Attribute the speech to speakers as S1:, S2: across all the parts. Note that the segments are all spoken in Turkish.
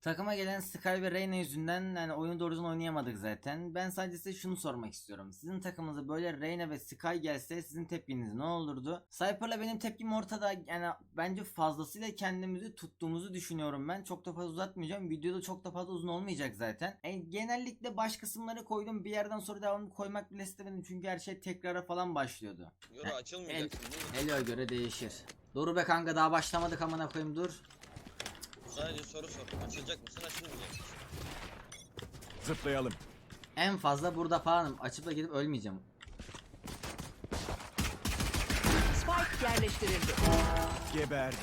S1: Takıma gelen Sky ve Reyna yüzünden yani oyunu doğru düzgün oynayamadık zaten. Ben sadece size şunu sormak istiyorum. Sizin takımınıza böyle Reyna ve Sky gelse sizin tepkiniz ne olurdu? Cypher'la benim tepkim ortada. Yani bence fazlasıyla kendimizi tuttuğumuzu düşünüyorum ben. Çok da fazla uzatmayacağım. Videoda çok da fazla uzun olmayacak zaten. Genellikle baş kısımları koydum. Bir yerden sonra devamını koymak bile istemedim. Çünkü her şey tekrara falan başlıyordu.
S2: Yoru açılmayacaksın değil mi?
S1: Elo'ya göre değişir. Dur be kanka, daha başlamadık amına koyayım, dur.
S2: Sadece soru sor. Açılacak mısın, açılmayacak mısın?
S3: Zıplayalım.
S1: En fazla burada falanım. Açıp da gidip ölmeyeceğim.
S4: Spike yerleştirildi.
S3: Geberdi.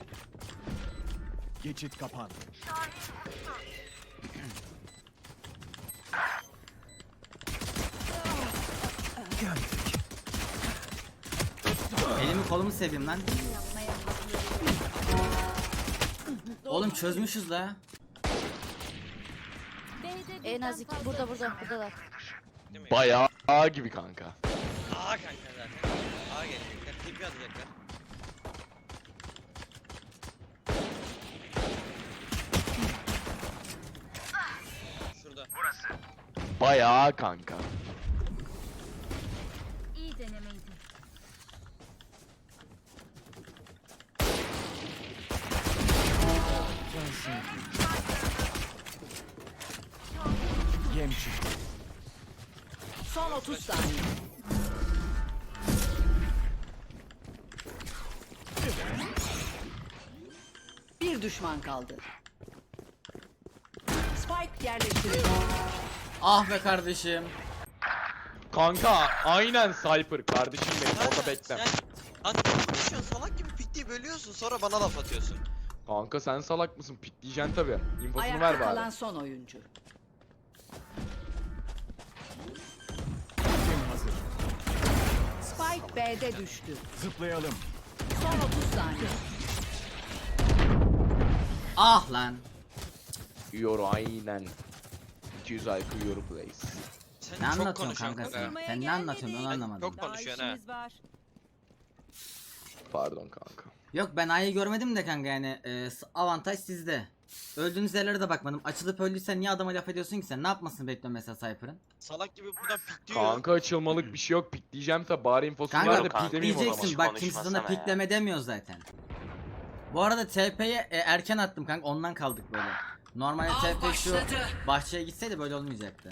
S3: Geçit kapandı. Gömdük.
S1: Elimi kolumu seveyim lan. Oğlum çözmüşüz la.
S4: En az iki buradalar.
S2: Değil mi?
S5: Bayağı gibi kanka.
S2: Aa kanka zaten. Aa gelecekler. TP atacaklar. Şurada.
S5: Bayağı kanka.
S6: İyi denemeydi.
S3: Yem çıktı.
S4: Son 30 saniye. Bir düşman kaldı. Spike yerleştirildi.
S1: Ah be kardeşim.
S5: Kanka aynen Cypher kardeşim benim, orada bekle.
S2: Sen anlatıyorsun, salak gibi piktiği bölüyorsun, sonra bana laf atıyorsun.
S5: Kanka sen salak mısın? Pikleyeceksin tabi. İnfosunu
S4: Ayakta
S5: ver
S4: kalan
S5: bari.
S4: son oyuncu.
S3: Ultim hazır.
S4: Spike B'de düştü.
S3: Zıplayalım.
S4: Son 30 saniye.
S1: Ah lan.
S5: Yoru aynen. 200 IQ Yoru plays.
S2: Sen
S1: Ne
S2: çok
S1: anlatıyorsun
S2: konuşuyorsun
S1: kanka
S2: kanka.
S1: sen? Sen ne anlatıyorsun onu anlamadım.
S2: Çok konuşuyorsun ha.
S5: Pardon kanka.
S1: Yok, ben A'yı görmedim de kanka, yani avantaj sizde. Öldüğünüz yerlere de bakmadım. Açılıp öldüysen niye adama laf ediyorsun ki sen? Ne yapmasını bekliyorsun mesela Cypher'ın?
S2: Salak gibi buradan pikliyor.
S5: Kanka açılmalık bir şey yok. Pikleyeceğim tabi, bari infosunu ver
S1: Kanka
S5: de piklemeyeyim o zaman.
S1: pikleyeceksin, bak kimse sana pikleme demiyor zaten. Bu arada TP'ye erken attım kanka, ondan kaldık böyle. Normalde TP şu bahçeye gitseydi böyle olmayacaktı.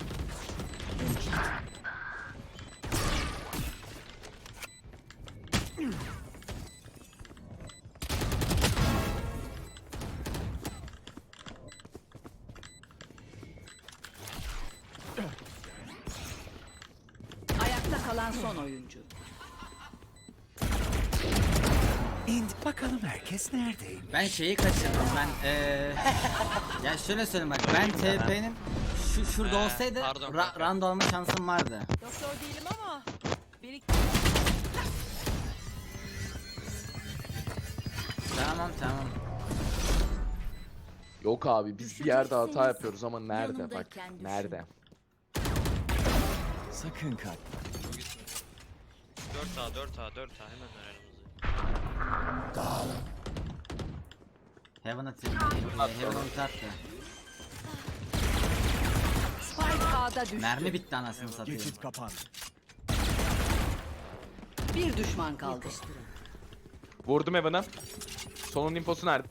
S4: Ayakta kalan son oyuncu.
S3: İndik bakalım herkes neredeyim?
S1: Ben şeyi kaçırdım, ya şöyle söyleyeyim bak, ben TP'nin şurada olsaydı
S2: pardon kanka.
S1: round alma şansım vardı.
S6: Doktor değilim ama
S1: Tamam.
S5: Yok abi biz bir yerde hata yapıyoruz ama nerede bak.
S4: yanındayken
S5: Nerede?
S3: Sakın kalk.
S2: 4A 4A 4A hemen aramızı.
S1: Heaven atayım. Heaven ulti attı.
S4: Spike A'da düştü.
S1: Mermi bitti anasını satayım.
S3: Geçit kapandı.
S4: Bir düşman kaldı.
S5: Vurdum Evan'a. Sonun infosu nerede?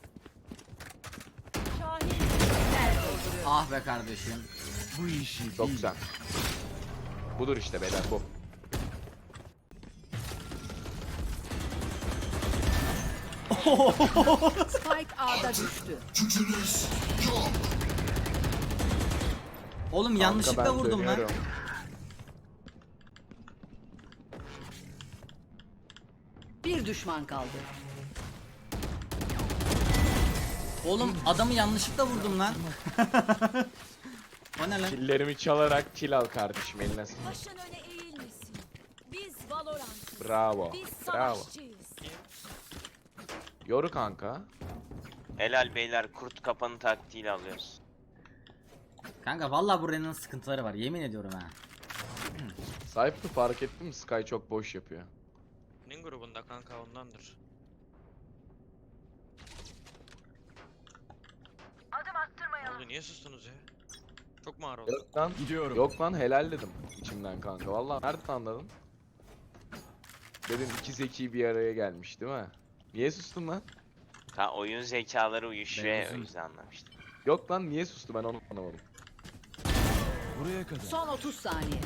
S1: Ah be kardeşim.
S3: Bu işi
S5: Çok
S3: bil.
S5: güzel. Budur işte beyler, bu.
S4: Spike A'da düştü.
S1: Oğlum
S5: Kanka
S1: yanlışlıkla
S5: ben
S1: vurdum lan.
S5: dönüyorum.
S4: Bir düşman kaldı.
S1: Oğlum adamı yanlışlıkla vurdum lan. O ne lan?
S5: Killerimi çalarak kill al kardeşim, eline sağlık.
S6: başın öne eğilmesin. Biz Valorant.
S5: Bravo.
S6: Biz
S5: Bravo.
S6: savaşçıyız.
S5: Yoru kanka.
S7: Helal beyler, kurt kapanı taktiğiyle alıyoruz.
S1: Kanka vallahi bu Rena'nın sıkıntıları var, yemin ediyorum ha.
S5: Cypher fark ettin mi? Sky çok boş yapıyor.
S2: Nin grubunda kanka ondandır.
S6: Adım attım.
S2: Niye sustunuz ya? Çok mu ağır oldu?
S5: Yok lan.
S3: Gidiyorum.
S5: Yok lan helal dedim içimden kanka. Vallahi nereden anladın? Dedim iki zeki bir araya gelmiş değil mi? Niye sustun lan?
S7: Oyun zekaları uyuşuyor ya, o
S1: Beyazın.
S7: yüzden anlamıştım.
S5: Yok lan niye sustu ben onu anlamadım.
S3: Buraya kadar.
S4: Son 30 saniye.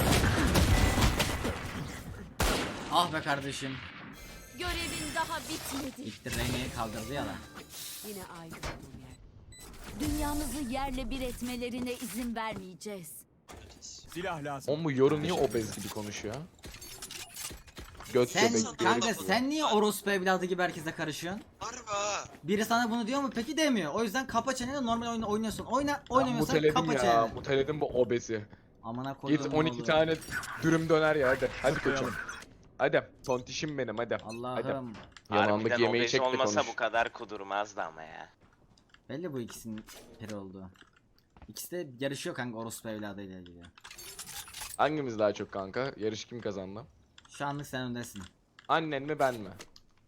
S1: Ah be kardeşim.
S6: Görevin daha bitmedi.
S1: İlk de Reyna'yı kaldırdı ya lan.
S4: Yine aynı olduğum yer.
S6: Dünyamızı yerle bir etmelerine izin vermeyeceğiz.
S3: Silah lazım.
S5: Oğlum bu yorum niye obez gibi konuşuyor? Göt
S1: Sen
S5: göbek
S1: kanka
S5: göbek.
S1: sen niye orospu evladı gibi herkese karışıyorsun?
S2: Harbi ha.
S1: Biri sana bunu diyor mu? Peki demiyor. O yüzden kapa çeneni, normal oyunu oynuyorsun.
S5: Ben
S1: Oynamıyorsan
S5: muteledim
S1: kapa
S5: ya.
S1: çeneni.
S5: Muteledim bu obezi.
S1: Amına koyduğum
S5: Git 12
S1: oğlu.
S5: tane dürüm döner ya hadi. Hadi koçum. Hadi. Tontişim benim hadi. Hadi.
S1: Allah'ım.
S5: Yanağındaki
S7: Harbiden
S5: yemeği
S7: obez
S5: çek de
S7: olmasa
S5: konuş.
S7: bu kadar kudurmazdı ama ya.
S1: Belli bu ikisinin peri olduğu. İkisi de yarışıyor kanka orospu evladıyla ilgili.
S5: Hangimiz daha çok kanka? Yarış kim kazandı?
S1: Şu anlık sen öndesin.
S5: Annen mi ben mi?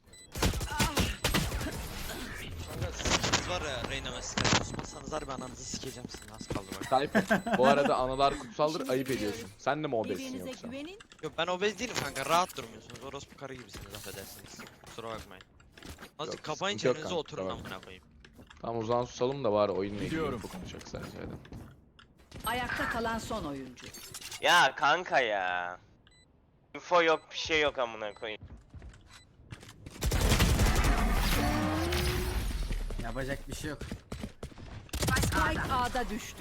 S2: Kanka siz var ya Reyna ve Sky susmazsanız harbi ananızı sikeceğim sizin, az kaldı bak.
S5: Type. Bu arada analar kutsaldır ayıp ediyorsun. Sen de mi obezsin
S6: Birbirinize
S5: yoksa?
S6: güvenin.
S2: Yok ben obez değilim kanka, rahat durmuyorsunuz. Orospu karı gibisiniz, affedersiniz. Kusura bakmayın. Azıcık
S5: Yok,
S2: kapayın
S5: sıkıntı yok
S2: çenenizi,
S5: kanka,
S2: oturun
S5: tamam.
S2: amına koyayım.
S5: Tamam o zaman susalım da var oyunla ilgili
S3: Gidiyorum.
S5: info konuşacak sadece hadi.
S4: Ayakta kalan son oyuncu.
S7: Ya kanka ya. Info yok, bir şey yok amına koyayım.
S1: Yapacak bir şey yok.
S4: Spike A'da düştü.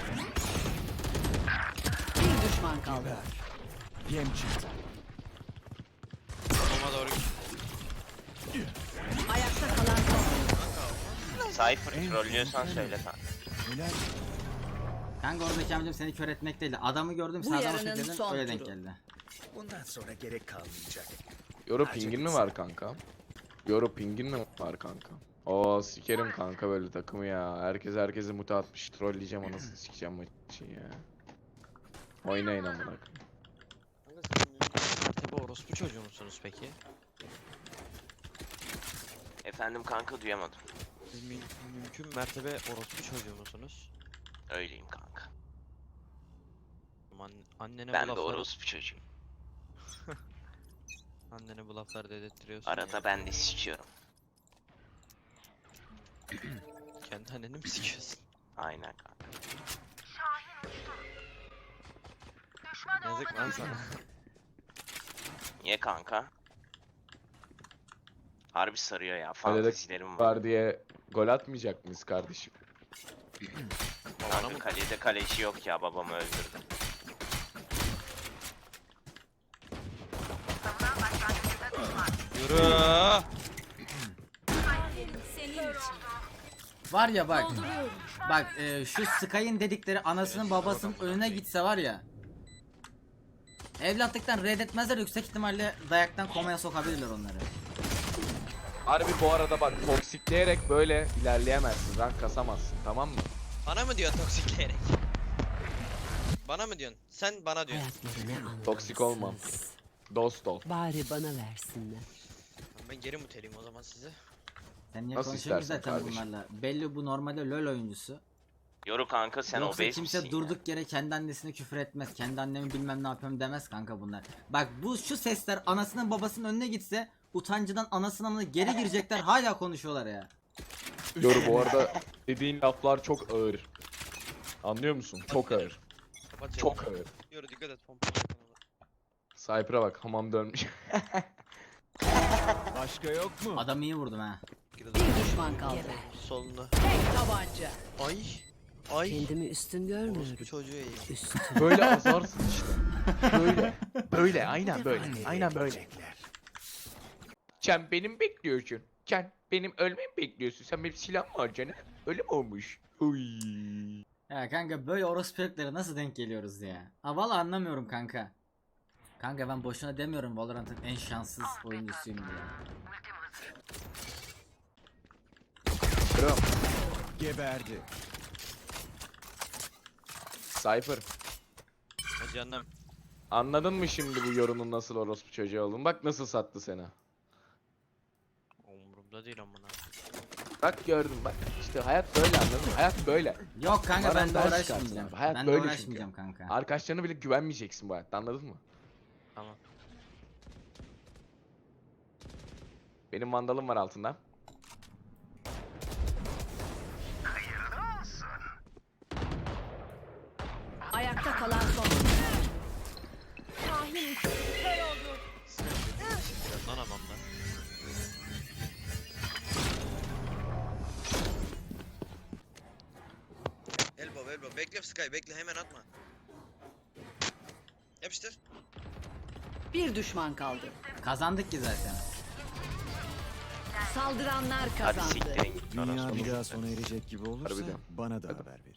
S4: Bir düşman kaldı.
S3: Yem çıktı.
S2: Sonuma doğru git.
S4: Ayakta kalan son oyuncu.
S7: Cypher trollüyorsan söyle kanka.
S3: Neler?
S1: Kanka oradaki amacım seni kör etmek değil. Adamı gördüm
S4: Bu
S1: sağdan
S4: yarının
S1: bakıyordun
S4: son
S1: öyle denk
S4: turu.
S1: geldi.
S3: Bundan sonra gerek kalmayacak.
S5: Yoru pingin mi var kanka? Yoru pingin mi var kanka? Oo sikerim kanka böyle takımı ya. Herkes herkesi muta atmış. Trolleyeceğim anasını sikeceğim maçı ya. Oynayın amına koyayım.
S2: Kanka siz mertebe orospu çocuğu musunuz peki?
S7: Efendim kanka duyamadım.
S2: Siz mümkün mertebe orospu çocuğu musunuz?
S7: Öyleyim kanka.
S2: Annene
S7: Ben
S2: bu
S7: de
S2: lafları,
S7: orospu çocuğuyum.
S2: annene bu lafları dedirtiyorsun
S7: Arada
S2: ya.
S7: ben de sikiyorum.
S2: Kendi anneni mi sikiyorsun?
S7: Aynen kanka.
S2: Yazık lan sana.
S7: Niye kanka? Harbi sarıyor ya.
S5: Öyle de
S7: Fantezilerim var.
S5: var diye gol atmayacak mıyız kardeşim?
S7: Kanka kalede kaleci yok ya, babamı öldürdüm.
S2: Yürü.
S6: Senin için.
S1: Var ya bak.
S6: Dolduruyorum.
S1: Bak şu Sky'ın dedikleri anasının babasının önüne gitse var ya. Evlatlıktan reddetmezler, yüksek ihtimalle dayaktan komaya sokabilirler onları.
S5: Harbi bu arada bak toksikleyerek böyle ilerleyemezsin. Rank kasamazsın tamam mı?
S2: Bana mı diyorsun toksikleyerek? Bana mı diyorsun? Sen bana diyorsun.
S5: Toksik olmam. Dost ol.
S4: Bari bana versinler.
S2: Ben geri muteliyim o zaman size.
S1: Sen niye
S5: Nasıl
S1: konuşuyorsun
S5: istersen
S1: zaten
S5: kardeşim.
S1: bunlarla? Belli bu normalde LoL oyuncusu.
S7: Yoru kanka sen
S1: Yoksa
S7: obez
S1: kimse
S7: misin
S1: durduk yere kendi annesine küfür etmez. Kendi annemi bilmem ne yapıyorum demez kanka bunlar. Bak bu şu sesler anasının babasının önüne gitse utancıdan anasının amına geri girecekler, hala konuşuyorlar ya.
S5: Yoru bu arada dediğin laflar çok ağır. Anlıyor musun? Çok ağır.
S2: Kapat
S5: Çok ağır.
S2: Yürü dikkat et pompa.
S5: Cypher'a bak hamam dönmüş.
S3: Başka yok mu?
S1: Adam iyi vurdum ha.
S4: Bir düşman kaldı.
S2: Solunda.
S4: Tek tabanca.
S2: Ay. Ay.
S4: Kendimi üstün görmüyorum.
S2: Orospu çocuğu eğim.
S4: Üstün.
S5: Böyle azarsın işte. Böyle. Böyle aynen böyle. Aynen böyle.
S3: Görecekler.
S5: Sen benim bekliyorsun. Sen benim ölmemi bekliyorsun. Sen benim silahım var canım. Öyle mi olmuş? Uy.
S1: Ya kanka böyle orospu heriflere nasıl denk geliyoruz ya? Ha valla anlamıyorum kanka. Kanka ben boşuna demiyorum Valorant'ın en şanssız oyuncusuyum diye.
S5: Bro.
S3: Geberdi.
S5: Cypher.
S2: Ha canım.
S5: Anladın mı şimdi bu yorunun nasıl orospu çocuğu olduğunu? Bak nasıl sattı seni.
S2: Umurumda değil amına.
S5: Bak gördüm bak. İşte işte hayat böyle, anladın mı? Hayat böyle.
S1: Yok kanka ben de
S5: Varandaş çıkarsın
S1: uğraşmayacağım.
S5: abi. Hayat
S1: Ben de
S5: böyle
S1: uğraşmayacağım
S5: çünkü.
S1: kanka.
S5: Arkadaşlarına bile güvenmeyeceksin bu hayatta, anladın mı?
S2: Tamam.
S5: Benim vandalım var altında.
S4: Ayakta kalan son.
S6: Kahin uçtu. Kör oldu.
S2: Biraz lan hamamda.
S8: Elbow elbow. Bekle Sky bekle hemen atma. Yapıştır.
S4: Bir düşman kaldı.
S1: Kazandık ki zaten.
S4: Saldıranlar
S7: Hadi
S4: kazandı.
S7: siktirin git.
S3: Dünya
S7: orası.
S3: bir daha sona erecek gibi olursa
S5: Harbiden.
S3: bana da haber verin.